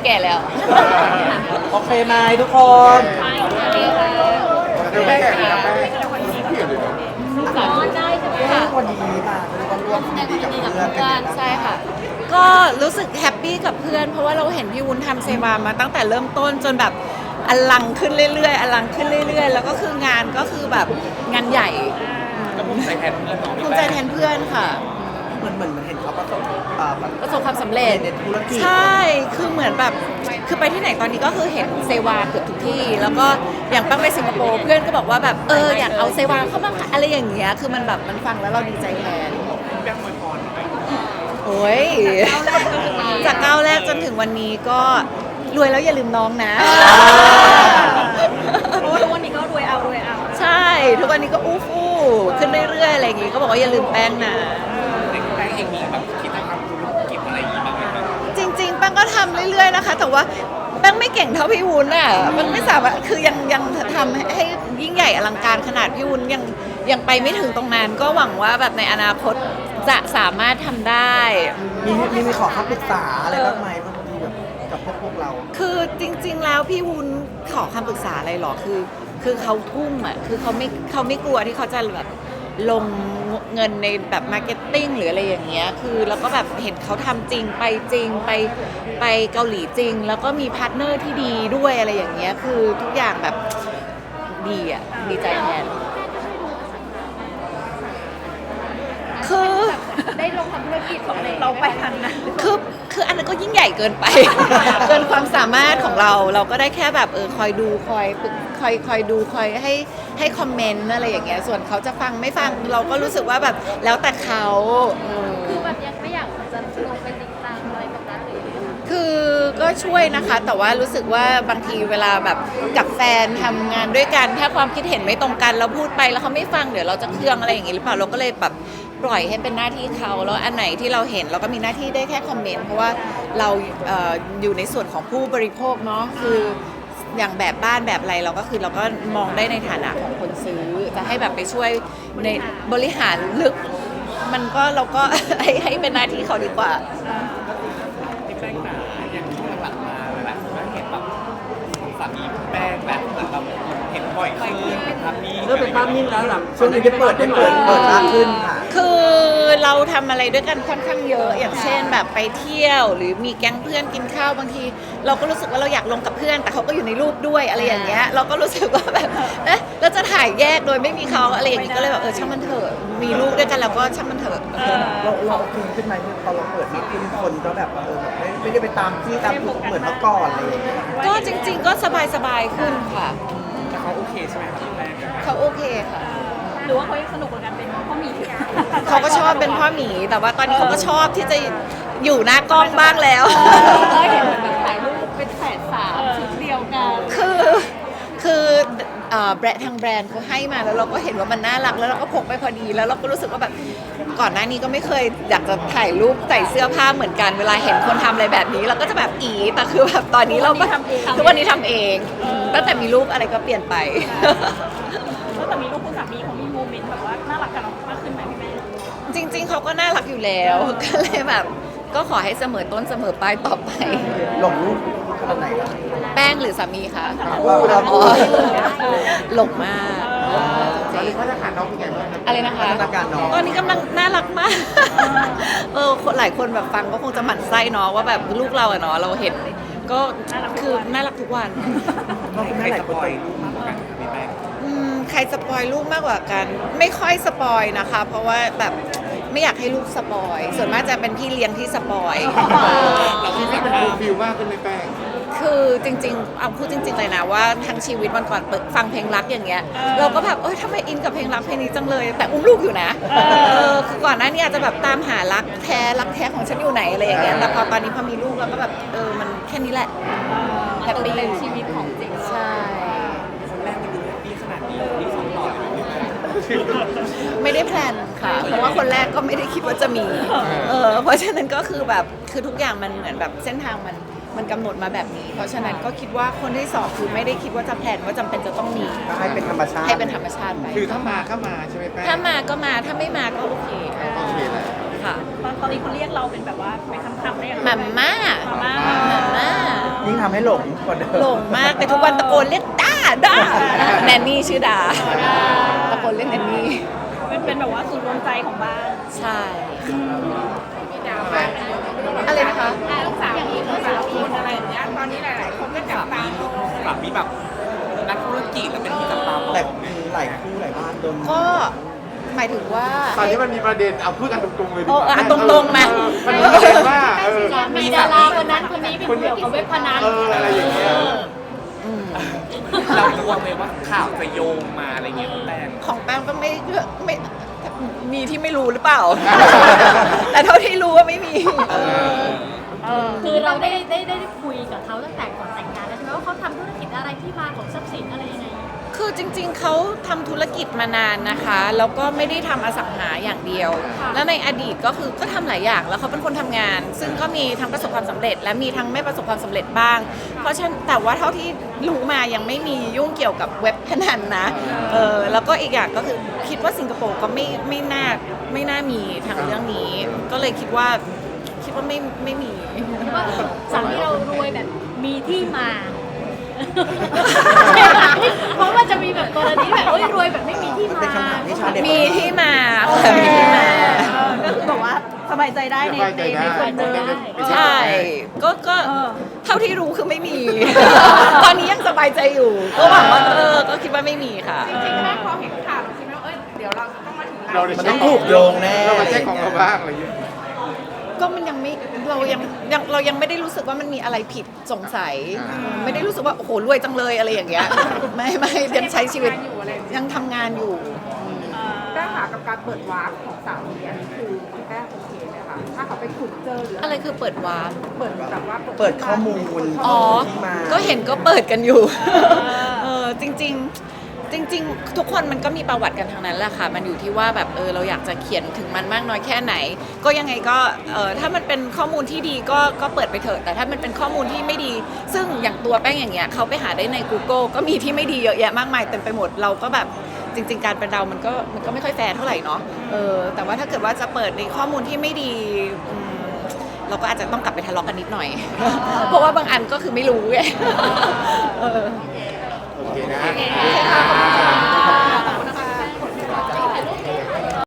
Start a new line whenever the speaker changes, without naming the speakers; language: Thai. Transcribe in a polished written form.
แก่แล้ว
โอเคไหมทุกคน
ไม่แข่งนะแม่พี่อยู่เลย
สามารถได้ใช่ไหมคะ
วันนี้มาก็ร่วมยินดีกับเพื่อนกันนะ
ใช่ค่ะ ก็รู้สึกแฮปปี้กับเพื่อนเพราะว่าเราเห็นพี่วุ้นทำเซวามาตั้งแต่เริ่มต้นจนแบบอลังขึ้นเรื่อยๆอลังขึ้นเรื่อยๆแล้วก็คืองานก็คือแบบงานใหญ่
ภูมิใจแทนเพื่อนน้อง
ภูมิใจแทนเพื่อนค่ะ
เหมือนเห็นเขา
ประสบความสำเร็จ
ในธุรกิจ
ใช่ คือเหมือนแบบ คือไปที่ไหนตอนนี้ก็คือเห็นเซวาเกือบทุกที่ แล้วก็อย่างตั้งไปสิงคโปร์เพื่อนก็บอกว่าแบบอยากเอาเซวาเข้ามาขายอะไรอย่างเงี้ย คือมันแบบมันฟังแล้วเราดีใจแทน
แบงค์มวยพร
โอ้ย จากก้าวแรกจนถึงวันนี้ก็รวยแล้วอย่าลืมน้องนะ
เพราะว่าทุกวันนี้ก็รวยเอา
ใช่ ทุกวันนี้ก็อู้ฟู่ขึ้นเรื่อยๆอะไรอย่างงี้ ก็บอกว่าอย่าลืมแป้งนะ
เด็กแบงค์เองมีแบบคิดจะทำธุรกิจอะไรอย่างงี้บ้างไหมครับ
จริงๆแป้งก็ทำเรื่อยๆนะคะ แต่ว่าแป้งไม่เก่งเท่าพี่วุ้นอ่ะมันไม่สามารถคือยังทำให้ยิ่งใหญ่อลังการขนาดพี่วุ้นยังไปไม่ถึงตรงนั้นก็หวังว่าแบบในอนาคตจะสามารถทำได้
มีขอคำปรึกษาอะไรบ้างไหมบางทีแบบกับพวกเรา
คือจริงๆแล้วพี่วุ้นขอคำปรึกษาอะไรหรอคือเขาทุ่มอ่ะคือเขาไม่กลัวที่เขาจะแบบลงเงินในแบบมาร์เก็ตติ้งหรืออะไรอย่างเงี้ยคือแล้วก็แบบเห็นเขาทำจริงไปเกาหลีจริง แล้วก็มีพาร์ทเนอร์ที่ดีด้วยอะไรอย่างเงี้ยคือทุกอย่างแบบดีอ่ะดีใจแทนคือ
ได้ลงทำธุรกิจของเราไปทันนะ
คืออันนั้นก็ยิ่งใหญ่เกินไป เกินความสามารถของเราก็ได้แค่แบบคอยดูคอยดูคอยให้คอมเมนต์อะไรอย่างเงี้ยส่วนเขาจะฟังไม่ฟังเราก็รู้สึกว่าแบบแล้วแต่เขาอืม
คือแบบยังไม่อยากจะลงไปจริงจังอะไรกับนั้นเลย
คือก็ช่วยนะคะ แต่ว่ารู้สึกว่าบางทีเวลาแบบกับแฟนทำงานด้วยกันถ้าความคิดเห็นไม่ตรงกันเราพูดไปแล้วเขาไม่ฟังเดี๋ยวเราจะเคืองอะไรอย่างงี้หรือเปล่าเราก็เลยแบบปล่อยให้เป็นหน้าที่เขาแล้วอันไหนที่เราเห็นเราก็มีหน้าที่ได้แค่คอมเมนต์เพราะว่าเราอยู่ในส่วนของผู้บริโภคเนาะคืออย่างแบบบ้านแบบอะไรเราก็คือเราก็มองได้ในฐานะของคนซื้อจะให้แบบไปช่วยในบริหารลึกมันก็เราก็ ให้เป็นหน้าที่เขาดีกว่า
พี่แป้งจ๋าอย่างช่วงหลังๆมาหลายๆคนก็เห็นแบบสามีแป้งแบบเหมือนแบบเห็นบ่อยขึ้นเป็นภาพนี้
เริ่มเป็นภาพนิ่งแล้วหลังช่วงนี้ได้เปิดมากขึ้นค่ะ
คือเราทำอะไรด้วยกันค่อนข้างเยอะ อย่างเช่นแบบไปเที่ยว หรือมีแก๊งเพื่อนกินข้าวบางที เราก็รู้สึกว่าเราอยากลงกับเพื่อน แต่เขาก็อยู่ในรูปด้วยอะไรอย่างเงี้ยเราก็รู้สึกว่าแบบเราจะถ่ายแยกโดยไม่มีเขาอะไรอย่างงี้ก็เลยแบบช่างมันเถอะมีลูกด้วยกันแล้วก็ช่างมันเถอะ
เราโอเคขึ้นไหมที่พอเราเปิดมากขึ้นคนก็แบบแบบไม่ได้ไปตามที่ตามถูกเหมือนเมื่อก่อนอะไรอย่างเงี้ย
ก็จริง ๆ ก็สบายขึ้นค่ะ
แต่เขาโอเคใช่ไหมครับพี่แป้ง
เขาโอเคค่ะ
หรือว่าเขายังสนุกกับการเป็นพ่อหมี
เขาก็ชอบเป็นพ่อหมี แต่ว่าตอนนี้เขาก็ชอบที่จะอยู่หน้ากล้องบ้างแล้ว
ก็เห็นแบบถ่ายรูปเป็นแฝดสามชุดเดียวกัน
คือแบรนด์ทางแบรนด์เขาให้มาแล้วเราก็เห็นว่ามันน่ารักแล้วเราก็พกไปพอดีแล้วเราก็รู้สึกว่าแบบก่อนหน้านี้ก็ไม่เคยอยากจะถ่ายรูปใส่เสื้อผ้าเหมือนกันเวลาเห็นคนทำอะไรแบบนี้เราก็จะแบบแต่คือแบบตอนนี้เราทุกวันนี้ทำเองตั้งแต่มีลูกอะไรก็เปลี่ยนไป
แล้วแต่มีลูกคุณสามีเขามีโมเมนต์แบบว่าน่ารักกับเรามากขึ้นไหมพี่แม่
จริงๆเขาก็น่ารักอยู่แล้วก็เลยแบบก็ขอให้เสมอต้นเสมอปลายต่อไป
หลงรูปขนาดไหนครับ
แป้งหรือสามีคะ
เราพูด
หลงมากจริง
มาตรฐานน้องเป็นไงบ้างครับ
อะไรนะคะ
พัฒนาการน้อง
ตอนนี้กำลังน่ารักมาก คนหลายคนแบบฟังก็คงจะหมั่นไส้เนาะว่าแบบลูกเราอะเนาะเราเห็นก็คือน่ารักทุกวัน
น้องคุณ
ใคร
แม่หลา
จะ
ยค
ป
น
ล่อยรูปมากกว่ากันครับพี่แป้ง
ใครสปอยลูกมากกว่ากัน ไม่ค่อยสปอยนะคะ เพราะว่าแบบไม่อยากให้ลูกสปอยส่วนมากจะเป็นพี่เลี้ยงที่สปอย
เราที่เป็นฟูลฟิลมากขึ้นเลยแป้ง
คือจริงๆเอาพูดจริงๆเลยนะว่าทั้งชีวิตวันก่อนเปิดฟังเพลงรักอย่างเงี้ยเราก็แบบทำไมอินกับเพลงรักเพลงนี้จังเลย แต่อุ้มลูกอยู่นะคือก่อนหน้านี้อาจจะแบบตามหารักแท้ของฉันอยู่ไหนอะไรอย่างเงี้ยแต่พอตอนนี้พอมีลูกเราก็แบบมันแค่นี้แหละแฮปปี้
เป็นชีวิตของจริง
ใช่
คนแรกมันดูแฮปปี้ขนาดนี้ที่สองต่อเลยพี่แป้ง
ไม่ได้แพลนค่ะเพราะว่าคนแรกก็ไม่ได้คิดว่าจะมีเพราะฉะนั้นก็คือแบบคือทุกอย่างมันเหมือนแบบเส้นทางมันกำหนดมาแบบนี้ เพราะฉะนั้นก็คิดว่าคนที่สองคือไม่ได้คิดว่าจะแพลนว่าจำเป็นจะต้องมี
ก็ให้เป็นธรรมชาติ
ให้เป็นธรรมชาติไป
คือถ้ามาก็มาใช่ไหมแป้ง
ถ้ามาก็มาถ้าไม่มาก็โอเค
โอเคแหละ
ค่ะ
ตอนนี้เขาเรียกเราเป็นแบบว่าเป็นคำๆได้ยังไง
หม่ำม่า
มาม่า
หม่ำม่า
เ
ยิ่งทำให้หลงกว่าเดิม
หลงมากแต่ทุกวันตะโกนเรียกด้าแนนนี่ชื่อดาตะโกนเรียกแนนนี่
เป็นแบบว่าศูนย์รวมใจของบ้าน
ใช่อะไรนะคะ
ลูกสาวมีคนอะไรอย่างเงี้ยตอนนี้หลายๆคนก็จับตามอง
สามีแบบนักธุรกิจแล้วเป็นที่จับตามอง
แต่หลายคู่หลายบ้านโดน
ก็หมายถึงว่า
ตอนนี้มันมีประเด็นเอาพูดกันตรงๆเลยดีก
โอ้
ว่า
อ่ะตรงๆมา
มันมีประเด็นว่า
มีดาราคนนั้นคนนี้เป็นเกี่ยวกับเว็บพนัน
อะไรอย่างเงี้ย
เรากลัวไหมว่าข่าวจะโยงมาอะไรเงี้ยคุณแป้ง
ของแป้งก็ไม่มีที่ไม่รู้หรือเปล่า แต่เท่าที่รู้ว่าไม่มี
คือเราได้คุยกับเขาตั้งแต่ก่อนแต่งงานแล้วใช่ไหมว่าเขาทำธุรกิจอะไรที่มาของทรัพย์สินอะไรยังไง
คือจริงๆ เขาทำธุรกิจมานานนะคะ แล้วก็ไม่ได้ทำอสังหาอย่างเดียว แล้วในอดีตก็คือก็ทำหลายอย่าง แล้วเขาเป็นคนทำงาน ซึ่งก็มีทั้งประสบความสำเร็จ และมีทั้งไม่ประสบความสำเร็จบ้าง เพราะฉะนั้นแต่ว่าเท่าที่รู้มายังไม่มียุ่งเกี่ยวกับเว็บพนันนะ แล้วก็อีกอย่างก็คือคิดว่าสิงคโปร์ก็ไม่น่ามีทางเรื่องนี้ ก็เลยคิดว่าไม่มี
ว่าสามีเรารวยแบบมีที่มา เพราะว่าจะมีแบบกรณีแบบรวยแบบไม่มีที่มา
เป็นคำถามที่ชาวเน็ต
มีที่มาค่ะมีที่มา
ก็คือแบบว่าสบายใจได้ในคนเดิม
ใช่ ก็เท่าที่รู้คือไม่มี ตอนนี้ยังสบายใจอยู่ ก็หวังว่าก็คิดว่าไม่มีค่ะ
จริงๆแม่พอเห็นข่าวคิดว่าเดี๋ยวเราต้องมาถึง
เรา
เรา
ได้
มัน
เช็
ต้
ค
องถูกโยงแน่
เรามาเช็คของเราบ้างอะไรอย่างเงี้ย
ก็มันยังไม่เรายังไม่ได้รู้สึกว่ามันมีอะไรผิดสงสัย ไม่ได้รู้สึกว่าโอ้โหรวยจังเลยอะไรอย่างเงี้ย ไม่ยังใช้ชีวิตยังทำงานอยู่
แป้งหากับการเปิดวาร์ปของสามีอันนี้คือคุณแป้งโอเคไหมคะถ้าเขาไปขุดเจอหรือ
อะไรคือเปิดวาร์ป
เปิดแบบว่า
เปิดข้อมูล
อ๋อ
ที่มา
ก็เห็นก็เปิดกันอยู่ จริงทุกคนมันก็มีประวัติกันทั้งนั้นแหละค่ะ มันอยู่ที่ว่าแบบเราอยากจะเขียนถึงมันมากน้อยแค่ไหน ก็ยังไงก็ถ้ามันเป็นข้อมูลที่ดีก็เปิดไปเถอะ แต่ถ้ามันเป็นข้อมูลที่ไม่ดี ซึ่งอย่างตัวแป้งอย่างเงี้ยเขาไปหาได้ใน Google ก็มีที่ไม่ดีเยอะแยะมากมายเต็มไปหมด เราก็แบบจริง ๆ การเป็นเรามันก็ไม่ค่อยแฟร์เท่าไหร่เนาะแต่ว่าถ้าเกิดว่าจะเปิดในข้อมูลที่ไม่ดีเราก็อาจจะต้องกลับไปทะเลาะกันนิดหน่อย เพราะว่าบางอันก็คือไม่รู้ไง
โอเคนะ
โอเคค่ะขอบคุณค่ะ